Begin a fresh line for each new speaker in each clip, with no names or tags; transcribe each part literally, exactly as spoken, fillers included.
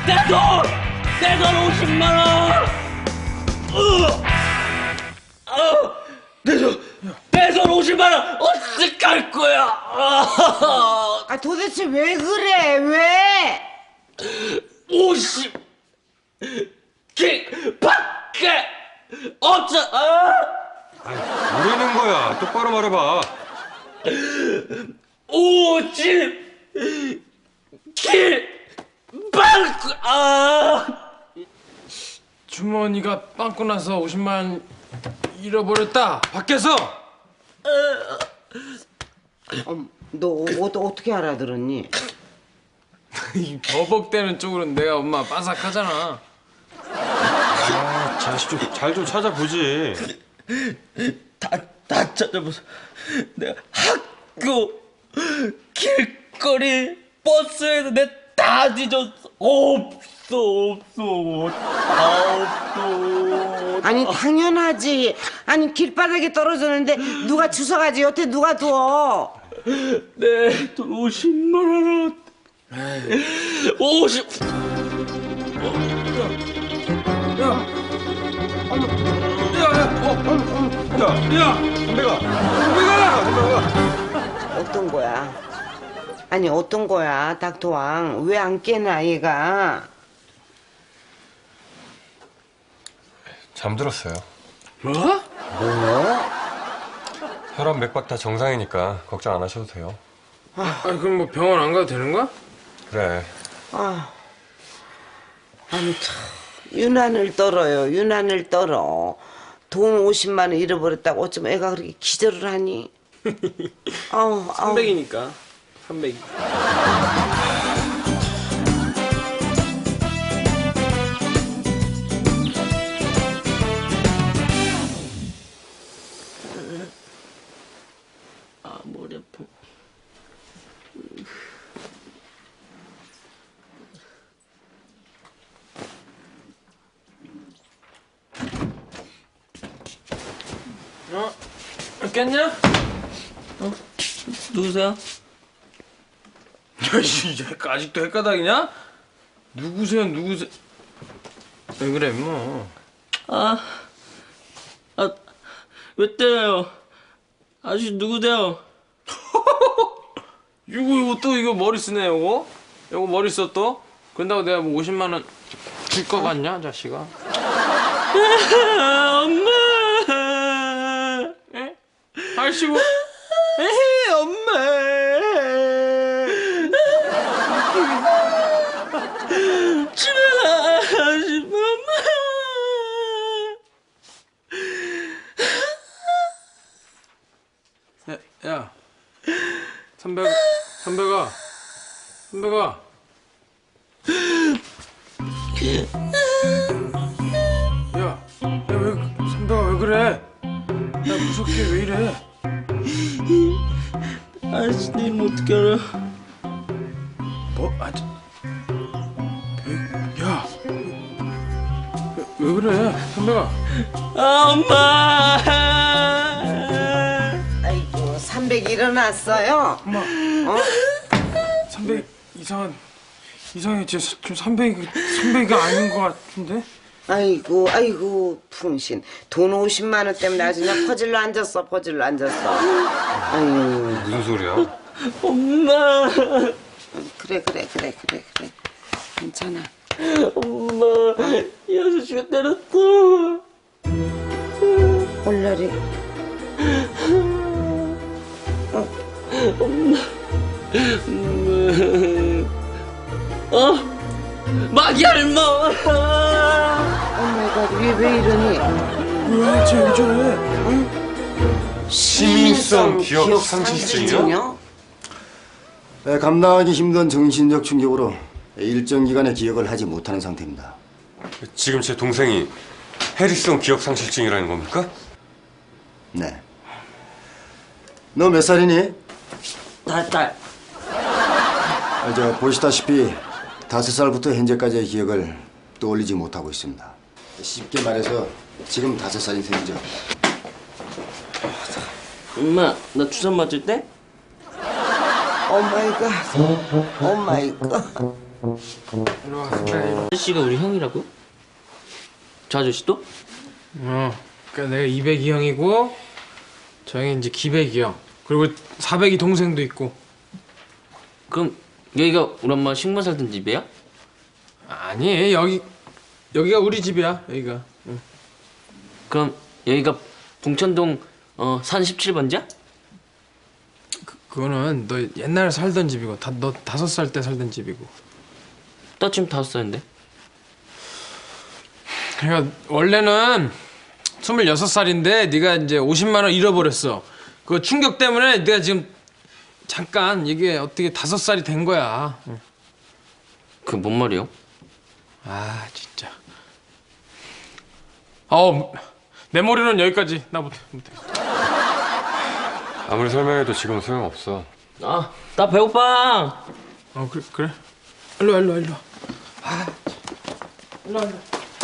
내 돈! 내 돈 오십만 원! 어! 내 돈! 내 돈 오십만 원! 어떡할 거야!
아 도대체 왜 그래? 왜?
오십! 길 밖에! 어쩌... 아!
아이, 모르는 거야. 똑바로 말해봐.
오십! 길 밖에! 아!
주머니가 빵꾸 나서 오십만 원 잃어버렸다. 밖에서.
어, 너 어, 어떻게 알아들었니?
이 버벅대는 쪽으로는 내가 엄마 빠삭하잖아.
아, 자식 좀 잘 좀 찾아보지.
다, 다 찾아보세요. 내가 학교, 길거리, 버스에서 내 다 뒤졌어. 없어, 없어. 다 없어.
아니 당연하지. 아니 길바닥에 떨어졌는데 누가 주워가지 여태 누가 둬?
내 돈 오십만 원. 오십.
야, 야, 야,
선배가.
선배가.
어떤 거야? 아니 어떤 거야 닥터왕? 왜 안 깨나 얘가?
잠들었어요.
뭐?
뭐?
혈압 맥박 다 정상이니까 걱정 안 하셔도 돼요.
아, 그럼 뭐 병원 안 가도 되는 거야?
그래.
아, 아니 참 유난을 떨어요. 유난을 떨어. 돈 오십만 원 잃어버렸다고 어쩜 애가 그렇게 기절을 하니? 아우, 아우.
삼백이니까. 삼백.
아, 머리 아파.
어? 깼냐?
어? 누구세요?
야, 이 아직도 헷가닥이냐? 누구세요, 누구세요? 왜 그래, 뭐.
아, 아, 왜 때려요? 아저씨 누구세요?
이거, 이거 또 이거 머리 쓰네, 이거? 이거 머리 써 또? 그런다고 내가 뭐 오십만 원 줄 거 같냐, 자식아?
엄마!
에? 아이씨고.
에헤, 엄마! 집에 가지, 엄마!
야, 야. 선배가, 선배가, 선배가. 야, 야, 왜, 선배가 왜 그래? 야, 무섭게 왜 이래?
아저씨 내 이름 어떻게 알아?
뭐, 아, 저, 왜, 야, 왜, 왜 그래, 선배가?
아, 엄마!
아이고 삼백 일어났어요.
엄마,
어?
삼백 이상한, 이상해, 지금 삼백이, 삼백이 아닌 것 같은데?
아이고 아이고 풍신 돈 오십만 원 때문에 아주 그냥 퍼질러 앉았어 퍼질러 앉았어. 아유
무슨 소리야?
엄마!
그래 그래 그래 그래 그래 괜찮아.
엄마! 이 아저씨가 때렸어!
올려리.
엄마! 어? 마기할머!
오마이갓 왜, 왜 이러니?
왜, 쟤왜 저래?
응?
시민성 기억 상실증이요?
네, 감당하기 힘든 정신적 충격으로 일정 기간의 기억을 하지 못하는 상태입니다.
지금 제 동생이 해리성 기억 상실증이라는 겁니까?
네. 너 몇 살이니?
다섯 살.
아, 저 보시다시피 다섯 살부터 현재까지의 기억을 떠올리지 못하고 있습니다. 쉽게 말해서 지금 다섯 살인 셈이죠.
엄마, 나 주사 맞을 때?
오마이갓 오마이갓
일로 와, 그래.
아저씨가 우리 형이라고? 저 아저씨도?
어, 그러니까 내가 이백이 형이고 저 형이 이제 기백이 형. 그리고 사백이 동생도 있고.
그럼 여기가 우리 엄마 식모 살던 집이야?
아니, 여기 여기가 우리 집이야. 여기가. 응.
그럼 여기가 봉천동 어, 산 십칠 번지야?
그, 그거는 너 옛날에 살던 집이고 다, 너 다섯 살 때 살던 집이고.
나 지금 다섯 살인데.
그러니까 원래는 스물여섯 살인데 네가 이제 오십만 원 잃어버렸어. 그 충격 때문에 내가 지금 잠깐 이게 어떻게 다섯 살이 된 거야. 응.
그게 뭔 말이요?
아 진짜. 어, 내 머리는 여기까지. 나 못해. 못해.
아무리 설명해도 지금 소용없어.
아, 나 배고파.
어 그래 그래. 일로 와 일로 와 일로 와. 아, 일로 와 일로 와.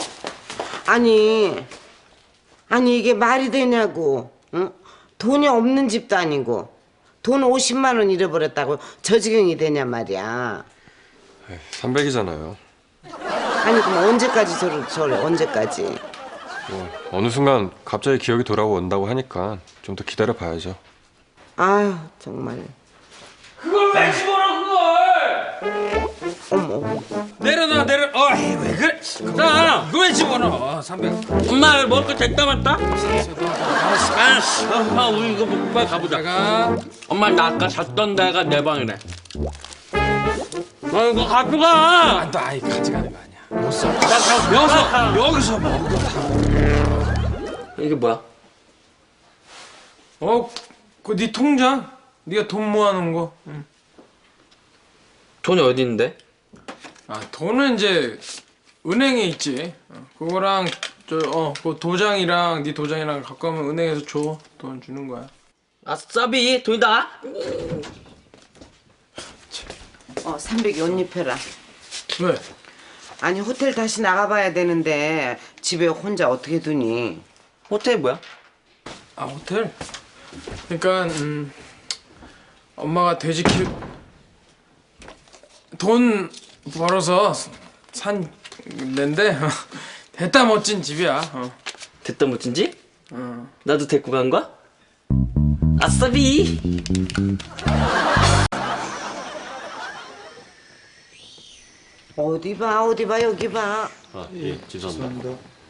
아니, 아니 이게 말이 되냐고. 응? 돈이 없는 집도 아니고 돈 오십만 원 잃어버렸다고 저 지경이 되냐 말이야.
삼백이잖아요.
아니 그럼 언제까지 저를 저래 언제까지?
뭐 어느 순간 갑자기 기억이 돌아온다고 하니까 좀 더 기다려 봐야죠.
아유 정말.
그걸 왜 집어넣어 그걸?
어머.
내려놔 내려. 어이 왜 그래? 나 그거 왜 집어넣어? 삼백.
엄마 먹을 거 됐다 맞다? 아씨, 아, 우리 이거 먹고 빨리 가보자.
내가
엄마 나 아까 잤던 데가 내 방이래. 아 이거 가져가.
아, 너 아이 가져가는 거 아니야. 못 써.
나 가.
여기서 여기서 먹어.
이게 뭐야?
어, 그 네 통장? 네가 돈 모아놓은 거. 응.
돈이 어디 있는데?
아 돈은 이제 은행에 있지. 어, 그거랑 저 어 그 도장이랑 네 도장이랑 갖고 가면 은행에서 줘. 돈 주는 거야.
아싸비 돈이다.
어 삼백이 옷 입혀라.
왜?
아니 호텔 다시 나가봐야 되는데 집에 혼자 어떻게 두니?
호텔 뭐야?
아 호텔? 그러니까 음 엄마가 돼지 키우 돈 벌어서 산 데인데 됐다 멋진 집이야. 어.
됐다 멋진지?
어.
나도 데리고 간 거야? 아싸비.
어디 봐 어디 봐 여기 봐.
아, 예, 죄송합니다.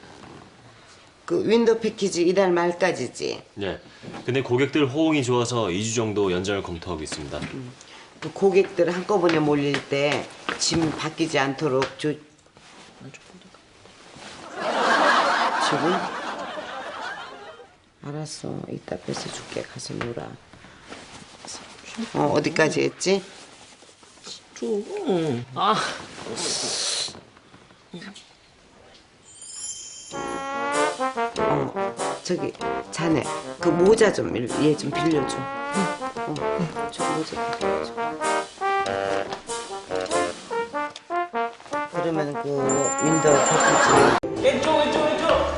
그 윈도우 패키지 이달 말까지지.
네. 근데 고객들 호응이 좋아서 이 주 정도 연장을 검토하고 있습니다.
그 고객들 한꺼번에 몰릴 때 짐 바뀌지 않도록 조... 지금? 알았어 이따 뺏어줄게. 가서 놀아. 어 어디까지 했지?
좀. 아.
어 저기 자네 그 모자 좀 얘 좀 빌려줘. 어, 저 모자 빌려줘. 그러면 그 윈도우 패키지
왼쪽 왼쪽 왼쪽.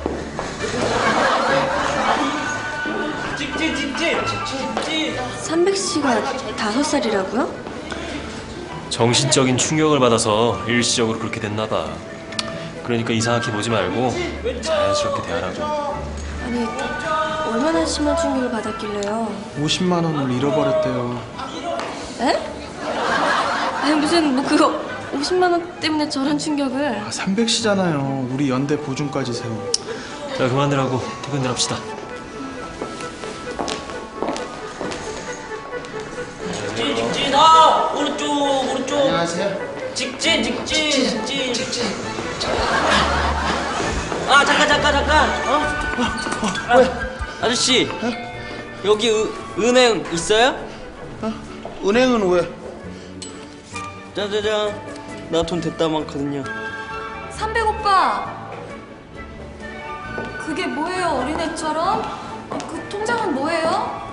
직진 직진 직진.
삼백 씨가 다섯 살이라고요?
정신적인 충격을 받아서 일시적으로 그렇게 됐나 봐. 그러니까 이상하게 보지 말고 자연스럽게 대하라고.
아니, 얼마나 심한 충격을 받았길래요?
오십만 원을 잃어버렸대요.
에? 아니 무슨 뭐 그거 오십만 원 때문에 저런 충격을.
아, 삼백 시잖아요. 우리 연대 보증까지 세워.
자, 그만들 하고 퇴근들 합시다.
직진 직진. 아 오른쪽 오른쪽.
안녕하세요.
직진 직진 직진 직진. 아 잠깐 잠깐 잠깐. 어? 왜? 아저씨 여기 으, 은행 있어요?
은행은 왜?
짜자잔. 나 돈 됐다 많거든요.
삼백 오빠. 그게 뭐예요 어린애처럼? 그 통장은 뭐예요?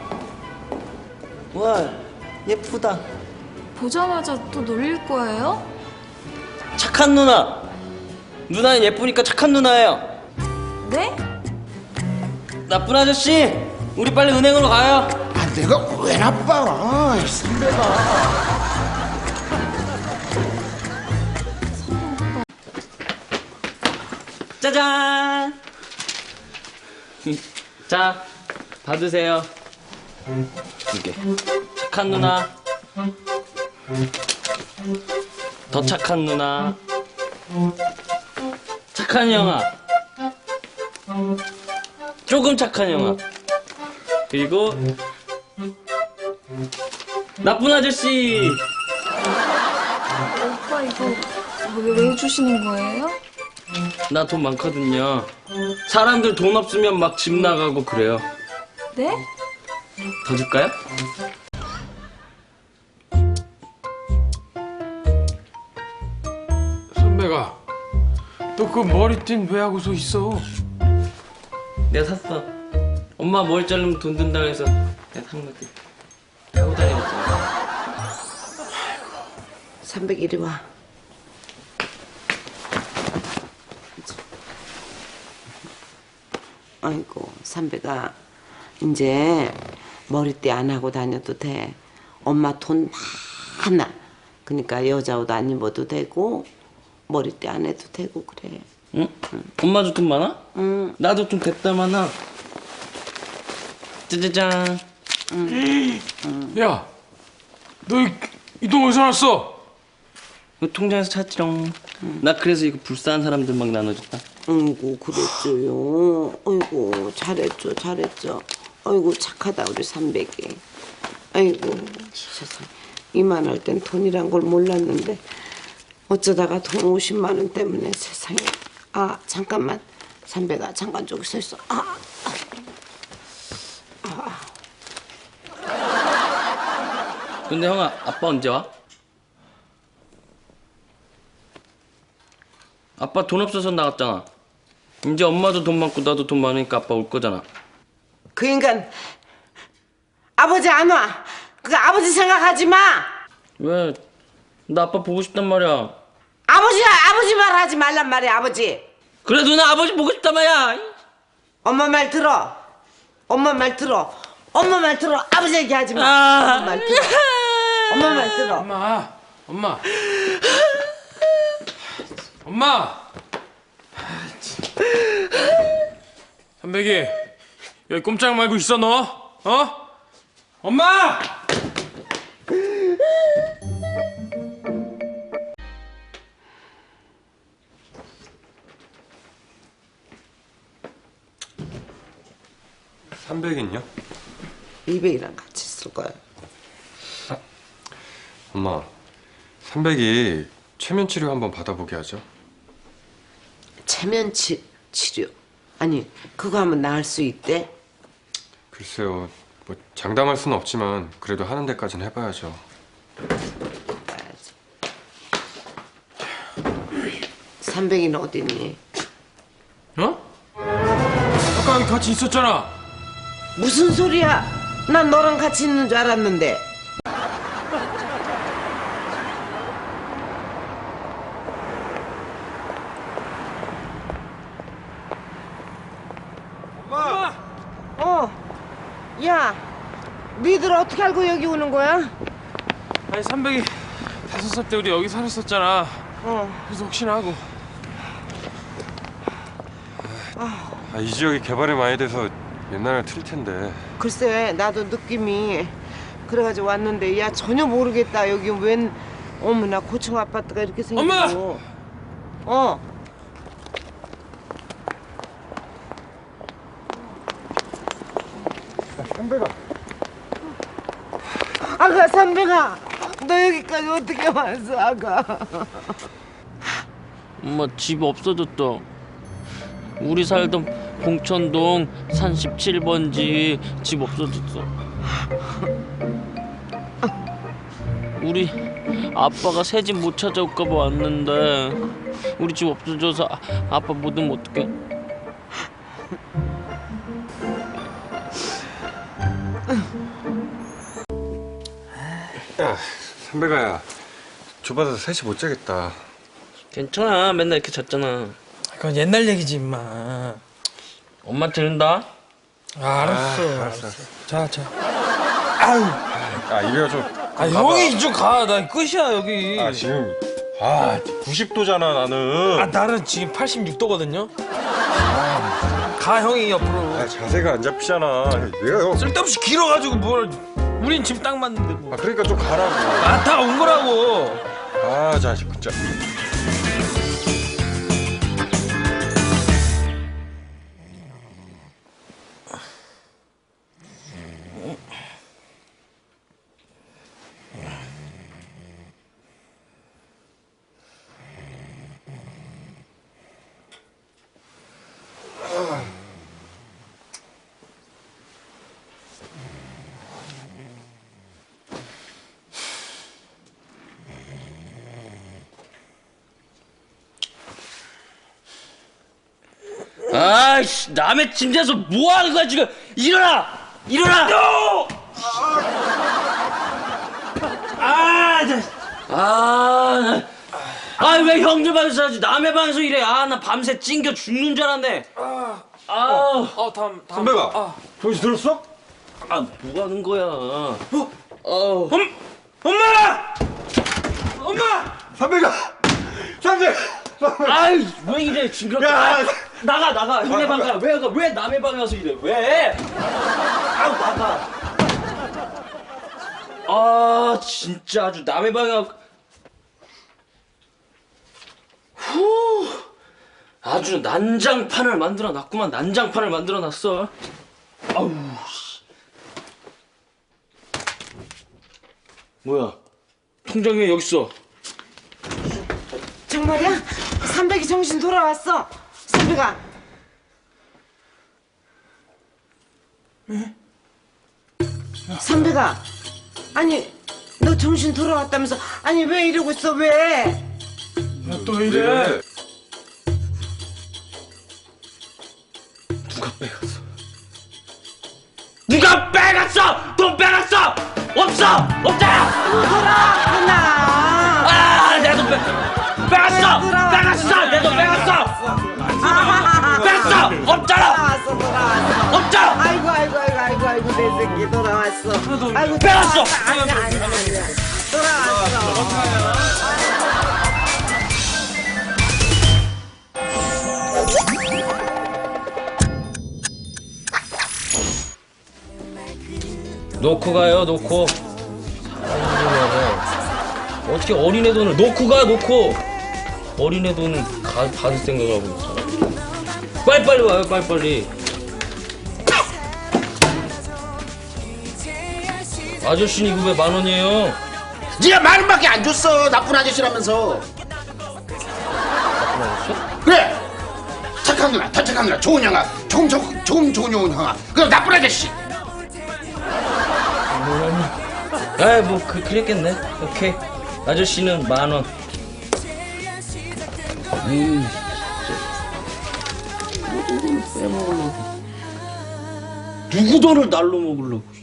와 예쁘다.
보자마자 또 놀릴 거예요?
착한 누나. 누나는 예쁘니까 착한 누나예요.
네?
나쁜 아저씨 우리 빨리 은행으로 가요.
아, 내가 왜 나빠? 삼백아.
짜잔. 자, 받으세요. 이게 착한 누나. 더 착한 누나. 착한 형아. 조금 착한 형아. 그리고 나쁜 아저씨.
오빠 이거 왜, 왜 주시는 거예요?
나 돈 많거든요. 사람들 돈 없으면 막 집 나가고 그래요.
네?
더 줄까요?
선배가 너 그 머리띠는 왜 하고 서 있어?
내가 샀어. 엄마 머리 자르면 돈 든다고 해서 내가 산 거지. 하고 다니겠잖아.
삼백 이리 와. 아이고 삼백아 이제 머리띠 안 하고 다녀도 돼. 엄마 돈 많아. 그러니까 여자 옷 안 입어도 되고 머리띠 안 해도 되고 그래.
응? 엄마도 돈 많아?
응.
나도 돈 됐다 많아. 짜자잔.
야, 너 이 돈 어디서 났어?
이거 통장에서 찾지롱. 나 그래서 이거 불쌍한 사람들 막 나눠줬다.
아이고 그랬죠요. 아이고 잘했죠 잘했죠. 아이고 착하다 우리 삼백이. 아이고 세상 이만할 땐 돈이란 걸 몰랐는데 어쩌다가 돈 오십만 원 때문에 세상에. 아 잠깐만 삼백아 잠깐 저기 서 있어. 아,
근데 형아, 아빠 언제 와? 아빠 돈 없어서 나갔잖아. 이제 엄마도 돈 많고 나도 돈 많으니까 아빠 올 거잖아.
그 인간 아버지 안 와. 그 아버지 생각하지 마.
왜? 나 아빠 보고 싶단 말이야.
아버지 아버지 말 하지 말란 말이야 아버지.
그래 누나 아버지 보고 싶단 말이야.
엄마 말 들어. 엄마 말 들어. 엄마 말 들어. 아버지 얘기하지 마.
아.
엄마 말 들어. 엄마 말 들어.
엄마, 엄마, 엄마. 삼백이 여기 꼼짝 말고 있어 너. 어? 엄마.
삼백은요?
이백이랑 같이 쓸 거야.
엄마, 삼백이 최면 치료 한번 받아보게 하죠.
체면 치, 치료. 아니 그거 하면 나을 수 있대?
글쎄요, 뭐 장담할 수는 없지만 그래도 하는 데까지는 해봐야죠.
봐야지. 삼백이는 어디 있니?
어? 아까 여기 같이 있었잖아.
무슨 소리야? 난 너랑 같이 있는 줄 알았는데.
엄마.
어. 야, 니들 어떻게 알고 여기 오는 거야?
아니 삼백이 다섯 살 때 우리 여기 살았었잖아.
어.
그래서 혹시나 하고.
아, 이 지역이 개발이 많이 돼서 옛날에 틀 텐데.
글쎄, 나도 느낌이 그래가지고 왔는데 야 전혀 모르겠다. 여기 웬 어머나 고층 아파트가 이렇게 생기고.
엄마!
어.
삼백아.
아가 삼백아, 너 여기까지 어떻게 왔어, 아가?
엄마 집 없어졌다. 우리 살던 봉천동 산 십칠 번지 집 없어졌어. 우리 아빠가 새 집 못 찾아올까 봐 왔는데 우리 집 없어져서 아, 아빠 못 오면 어떡해?
야, 삼백아야, 좁아서 셋이 못 자겠다.
괜찮아, 맨날 이렇게 잤잖아.
그건 옛날 얘기지 임마.
엄마 들은다?
아, 알았어.
아, 알았어, 알았어.
자, 자. 아유.
아, 이래가 좀.
아, 형이 이쪽 가. 나 끝이야 여기.
아, 지금
아, 구십 도잖아 나는.
아 나는 지금 팔십육 도거든요. 아, 가 형이 옆으로.
아, 자세가 안 잡히잖아. 내가 형.
쓸데없이 길어가지고 뭘. 우린 지금 딱 맞는데 뭐.
아, 그러니까 좀 가라고.
안타가 온 거라고.
아, 자식 진짜.
아이씨, 남의 침대에서 뭐 하는 거야 지금? 일어나! 일어나! 아, 나, 아, 아, 왜 형들 방에서 하지? 남의 방에서 이래. 아, 나 밤새 찡겨 죽는 줄 알았네. 아, 아,
어 다음 다음.
선배가
아.
정신 들었어?
아, 뭐 하는 거야? 어, 어,
엄 엄마. 엄마.
선배가 선배.
아이, 왜 이래? 징그럽게.
야,
아, 나가, 나가. 형네 방 가. 왜 가? 왜 남의 방에 가서 이래? 왜? 아우, 나가. 아, 진짜 아주 남의 방에 가. 후, 아주 난장판을 만들어 놨구만. 난장판을 만들어 놨어. 아우, 씨. 뭐야? 통장이 왜 여기 있어?
정말이야? 삼백이 정신 돌아왔어. 삼백아. 삼백아. 아니 너 정신 돌아왔다면서. 아니 왜 이러고 있어 왜?
또 이래.
누가 빼갔어? 누가 빼갔어? 돈 빼갔어? 없어! 없잖아!
돌아왔구나.
아, 내 돈 빼, 빼갔어!
돌아왔어.
빼갔어! 내 돈 빼갔어!
아하하하.
뺐어! 없잖아!
돌아왔어 돌아왔어.
없잖아!
아이고 아이고 아이고 아이고 아이고 내 새끼 돌아왔어. 아이고
빼갔어.
돌아왔어. 아니 아니 아니. 돌아왔어.
놓고 가요, 놓고. 어떻게 어린애 돈을 놓고 가, 놓고. 어린애 돈은 가, 받을 생각하고 있어. 빨리빨리 와요, 빨리빨리. 아저씨는 이거 왜 만 원이에요?
네가 만 원밖에 안 줬어. 나쁜 아저씨라면서. 그래. 착한 누나, 더 착한 누나, 좋은 형아, 좋은 좋은 좋은 좋은 좋은 형아. 그럼 나쁜 아저씨.
에이, 뭐, 그, 그랬겠네. 오케이. 아저씨는 만 원. 에이, 진짜. 누구 돈을 날로 먹으려고.